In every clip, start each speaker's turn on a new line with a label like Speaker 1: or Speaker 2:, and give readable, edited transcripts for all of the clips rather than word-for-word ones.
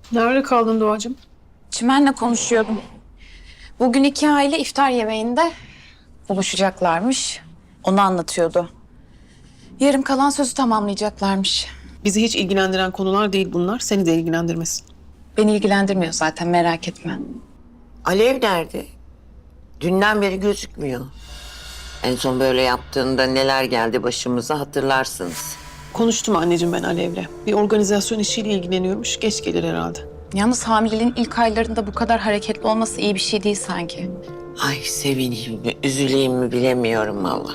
Speaker 1: Nerede kaldın Doğacığım?
Speaker 2: Çimen'le konuşuyordum. Bugün iki aile iftar yemeğinde buluşacaklarmış. Onu anlatıyordu. Yarım kalan sözü tamamlayacaklarmış.
Speaker 1: Bizi hiç ilgilendiren konular değil bunlar. Seni de ilgilendirmesin.
Speaker 2: Beni ilgilendirmiyor zaten, merak etme.
Speaker 3: Alev nerede? Dünden beri gözükmüyor. En son böyle yaptığında neler geldi başımıza hatırlarsınız.
Speaker 1: Konuştum anneciğim ben Alev'le. Bir organizasyon işiyle ilgileniyormuş. Geç gelir herhalde.
Speaker 2: Yalnız hamileliğin ilk aylarında bu kadar hareketli olması iyi bir şey değil sanki.
Speaker 3: Ay sevineyim mi, üzüleyim mi bilemiyorum valla.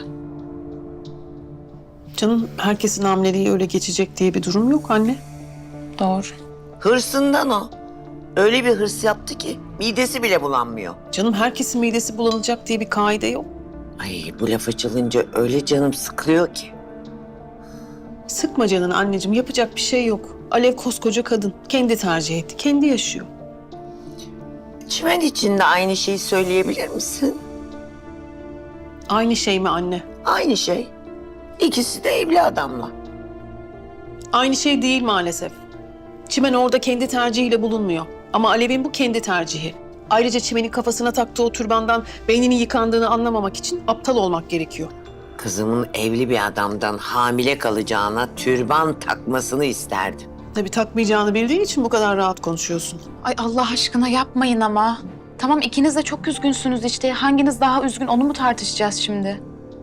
Speaker 1: Canım herkesin hamileliği öyle geçecek diye bir durum yok anne.
Speaker 2: Doğru.
Speaker 3: Hırsından o. Öyle bir hırs yaptı ki midesi bile bulanmıyor.
Speaker 1: Canım herkesin midesi bulanacak diye bir kaide yok.
Speaker 3: Ay bu laf açılınca öyle canım sıkılıyor ki.
Speaker 1: Sıkma canını anneciğim. Yapacak bir şey yok. Alev koskoca kadın. Kendi tercih etti. Kendi yaşıyor.
Speaker 3: Çimen için de aynı şeyi söyleyebilir misin?
Speaker 1: Aynı şey mi anne?
Speaker 3: Aynı şey. İkisi de evli adamla.
Speaker 1: Aynı şey değil maalesef. Çimen orada kendi tercihiyle bulunmuyor. Ama Alev'in bu kendi tercihi. Ayrıca Çimen'in kafasına taktığı o türbandan beyninin yıkandığını anlamamak için aptal olmak gerekiyor.
Speaker 3: Kızımın evli bir adamdan hamile kalacağına türban takmasını isterdim.
Speaker 1: Tabii takmayacağını bildiğin için bu kadar rahat konuşuyorsun.
Speaker 2: Ay Allah aşkına yapmayın ama. Tamam, ikiniz de çok üzgünsünüz işte. Hanginiz daha üzgün onu mu tartışacağız şimdi?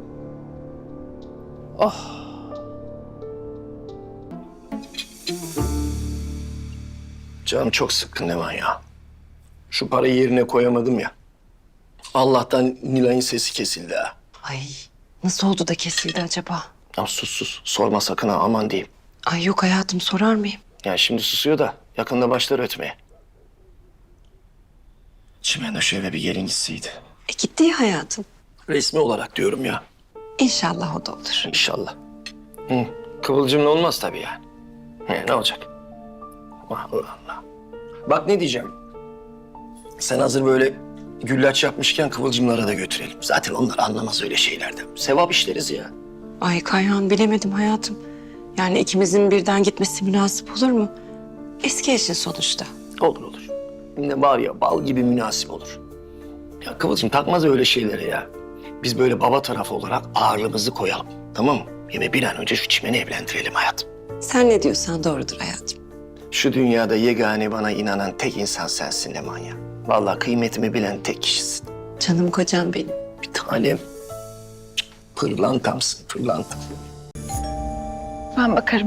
Speaker 1: Oh.
Speaker 4: Canım çok sıkkın Leman ya. Şu parayı yerine koyamadım ya. Allah'tan Nilay'ın sesi kesildi ha.
Speaker 5: Ay nasıl oldu da kesildi acaba?
Speaker 4: Ya sus sorma sakın ha aman diyeyim.
Speaker 5: Ay yok hayatım sorar mıyım?
Speaker 4: Ya şimdi susuyor da yakında başlar ötmeye. Çimen şu eve bir gelin gitseydi.
Speaker 5: Gitti ya hayatım.
Speaker 4: Resmi olarak diyorum ya.
Speaker 5: İnşallah o da olur.
Speaker 4: İnşallah. Hı. Kıvılcımla olmaz tabii yani. Ne olacak? Allah Allah. Bak ne diyeceğim. Sen hazır böyle güllaç yapmışken kıvılcımlara da götürelim. Zaten onlar anlamaz öyle şeylerden. Sevap işleriz ya.
Speaker 5: Ay Kayhan bilemedim hayatım. Yani ikimizin birden gitmesi münasip olur mu? Eski eşin sonuçta.
Speaker 4: Olur. Ne var ya bal gibi münasip olur. Ya Kıvılcım takmaz öyle şeylere ya. Biz böyle baba tarafı olarak ağırlığımızı koyalım. Tamam mı? Ve bir an önce şu Çimen'i evlendirelim hayatım.
Speaker 5: Sen ne diyorsan doğrudur hayatım.
Speaker 4: Şu dünyada yegane bana inanan tek insan sensin Leman ya. Vallahi kıymetimi bilen tek kişisin.
Speaker 5: Canım kocam benim.
Speaker 4: Bir tanem. Pırlantamsın, pırlantam.
Speaker 2: Ben bakarım.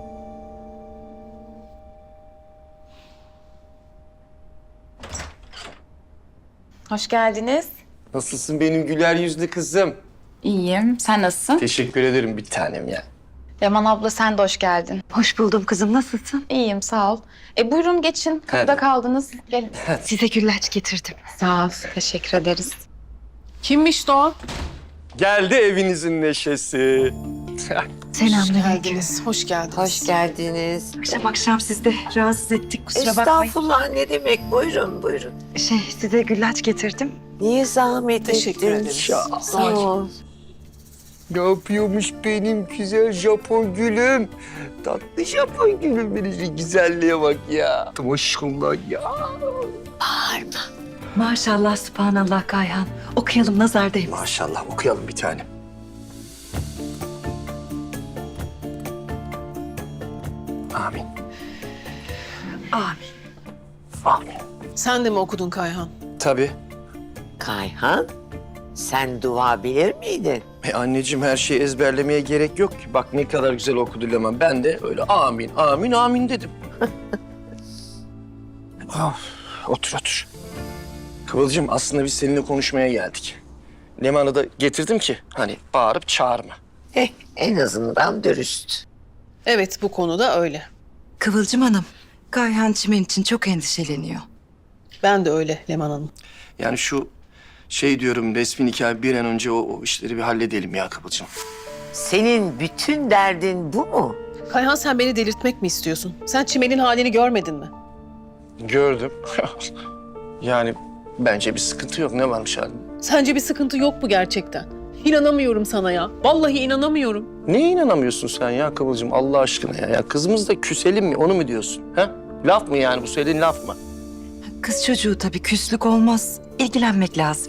Speaker 2: Hoş geldiniz.
Speaker 4: Nasılsın benim güler yüzlü kızım?
Speaker 2: İyiyim. Sen nasılsın?
Speaker 4: Teşekkür ederim bir tanem ya.
Speaker 2: Leman abla sen de hoş geldin.
Speaker 5: Hoş buldum kızım nasılsın?
Speaker 2: İyiyim, sağ ol. Buyurun geçin. Kapıda
Speaker 4: Hadi.
Speaker 2: kaldınız. Gelin.
Speaker 5: Size güllaç getirdim.
Speaker 2: Sağ ol. Teşekkür ederiz.
Speaker 1: Kimmiş Doğa?
Speaker 4: Geldi evinizin neşesi.
Speaker 5: Selamünaleyküm.
Speaker 1: Hoş geldiniz.
Speaker 3: Hoş geldiniz.
Speaker 5: Akşam sizi de rahatsız ettik kusura bakmayın.
Speaker 3: Estağfurullah ne demek? Buyurun.
Speaker 5: Size güllaç getirdim.
Speaker 3: Niye zahmet
Speaker 1: Teşekkür
Speaker 3: ettin?
Speaker 1: ederiz.
Speaker 3: Sağ ol.
Speaker 4: Ne yapıyormuş benim güzel Japon gülüm? Tatlı Japon gülüm benim şu güzelliğe bak ya. Maşallah ya.
Speaker 3: Bağırma.
Speaker 5: Maşallah subhanallah Kayhan. Okuyalım nazar değmesin.
Speaker 4: Maşallah okuyalım bir tane. Amin.
Speaker 5: Amin.
Speaker 4: Amin.
Speaker 1: Sen de mi okudun Kayhan?
Speaker 4: Tabii.
Speaker 3: Kayhan, sen dua bilir miydin?
Speaker 4: Anneciğim her şeyi ezberlemeye gerek yok ki. Bak ne kadar güzel okudu Leman. Ben de öyle amin dedim. Otur. Kıvılcım aslında biz seninle konuşmaya geldik. Leman'ı da getirdim ki hani bağırıp çağırma.
Speaker 3: En azından dürüst.
Speaker 1: Evet bu konuda öyle.
Speaker 5: Kıvılcım Hanım, Kayhan Çimen için çok endişeleniyor.
Speaker 1: Ben de öyle Leman Hanım.
Speaker 4: Yani şu şey diyorum resmi nikah bir an önce o işleri bir halledelim ya Kıvılcım.
Speaker 3: Senin bütün derdin bu mu?
Speaker 1: Kayhan sen beni delirtmek mi istiyorsun? Sen Çimen'in halini görmedin mi?
Speaker 4: Gördüm. Yani bence bir sıkıntı yok. Ne varmış halinde?
Speaker 1: Sence bir sıkıntı yok mu gerçekten? İnanamıyorum sana ya. Vallahi inanamıyorum.
Speaker 4: Neye inanamıyorsun sen ya Kıvılcım Allah aşkına ya? Ya kızımızla küselim mi onu mu diyorsun? Ha? Laf mı yani bu söylediğin laf mı?
Speaker 6: Kız çocuğu tabii küslük olmaz. İlgilenmek lazım.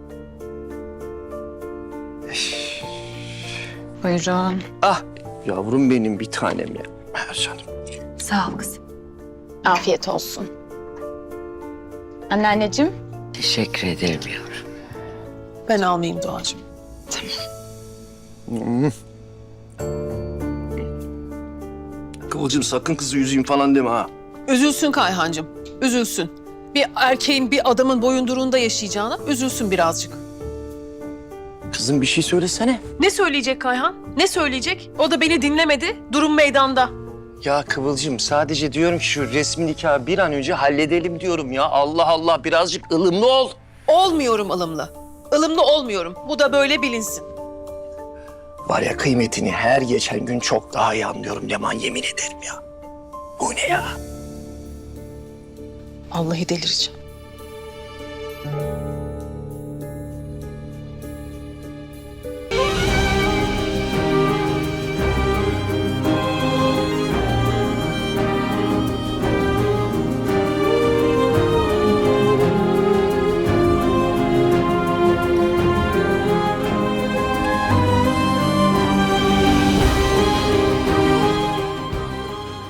Speaker 2: Buyurun.
Speaker 4: Ah yavrum benim bir tanem ya. Canım.
Speaker 6: Sağ ol kızım.
Speaker 2: Afiyet olsun. Anneanneciğim.
Speaker 3: Teşekkür ederim yavrum.
Speaker 1: Ben almayayım Doğacığım.
Speaker 4: Kıvılcım sakın kızı üzeyim falan deme ha.
Speaker 1: Üzülsün Kayhancığım, üzülsün. Bir erkeğin bir adamın boyunduruğunda yaşayacağına üzülsün birazcık.
Speaker 4: Kızım bir şey söylesene.
Speaker 1: Ne söyleyecek Kayhan? Ne söyleyecek? O da beni dinlemedi. Durum meydanda.
Speaker 4: Ya Kıvılcım sadece diyorum ki şu resmi nikahı bir an önce halledelim diyorum ya. Allah Allah birazcık ılımlı ol.
Speaker 1: Olmuyorum ılımlı. Ilımlı olmuyorum. Bu da böyle bilinsin.
Speaker 4: Var ya kıymetini her geçen gün çok daha iyi anlıyorum Leman, yemin ederim ya. Bu ne ya?
Speaker 1: Vallahi delireceğim.